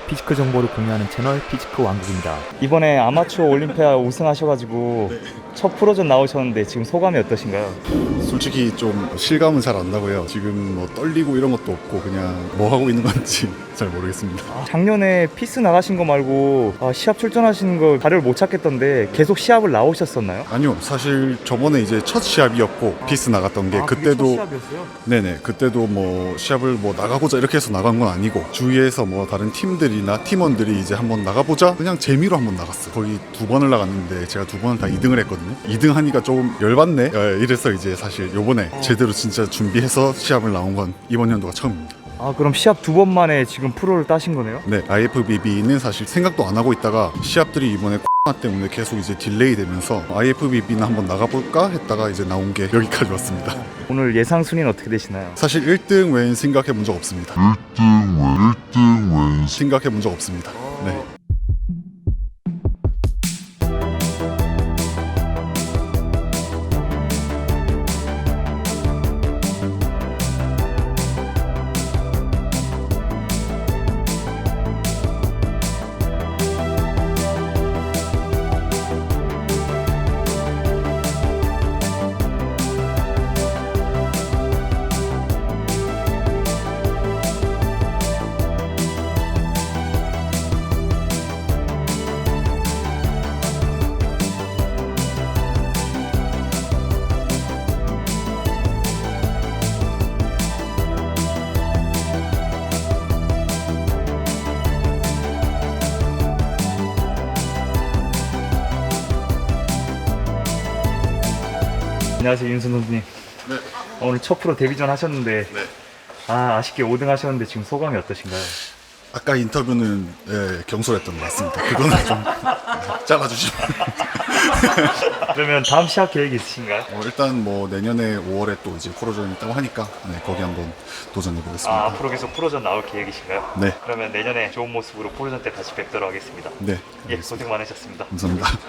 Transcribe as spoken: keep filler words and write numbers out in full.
피지크 정보를 공유하는 채널 피지크 왕국입니다. 이번에 아마추어 올림피아 우승하셔가지고 네. 첫 프로전 나오셨는데 지금 소감이 어떠신가요? 솔직히 좀 실감은 잘 안 나고요. 지금 뭐 떨리고 이런 것도 없고 그냥 뭐 하고 있는 건지 잘 모르겠습니다. 아, 작년에 피스 나가신 거 말고 아, 시합 출전하시는 거 자료를 못 찾겠던데 계속 시합을 나오셨었나요? 아니요, 사실 저번에 이제 첫 시합이었고 피스 나갔던 게 아, 그게 그때도 첫 시합이었어요? 네네, 그때도 뭐 시합을 뭐 나가고자 이렇게 해서 나간 건 아니고 주위에서 뭐 다른 팀들이나 팀원들이 이제 한번 나가보자 그냥 재미로 한번 나갔어요. 거의 두 번을 나갔는데 제가 두 번을 다 이 등을 했거든요. 이 등 하니까 조금 열받네. 예, 이래서 이제 사실 요번에 제대로 진짜 준비해서 시합을 나온 건 이번 연도가 처음입니다. 아, 그럼 시합 두 번 만에 지금 프로를 따신 거네요? 네, 아이에프비비는 사실 생각도 안 하고 있다가 시합들이 이번에 코로나 때문에 계속 이제 딜레이 되면서 아이에프비비는 한번 나가볼까 했다가 이제 나온 게 여기까지 왔습니다. 오늘 예상 순위는 어떻게 되시나요? 사실 일 등 외엔 생각해 본 적 없습니다. 일 등 외엔 생각해 본 적 없습니다. 네. 안녕하세요, 윤순 선수님. 네. 오늘 첫 프로 데뷔전 하셨는데 네. 아, 아쉽게 오 등 하셨는데 지금 소감이 어떠신가요? 아까 인터뷰는 예, 경솔했던 것 같습니다. 그거는 좀 잘라주시면. 그러면 다음 시합 계획이 있으신가요? 어, 일단 뭐 내년에 오월에 또 이제 프로전이 있다고 하니까 네, 거기 한번 도전해 아, 보겠습니다. 앞으로 계속 프로전 나올 계획이신가요? 네. 그러면 내년에 좋은 모습으로 프로전 때 다시 뵙도록 하겠습니다. 네. 예, 고생 많으셨습니다. 감사합니다.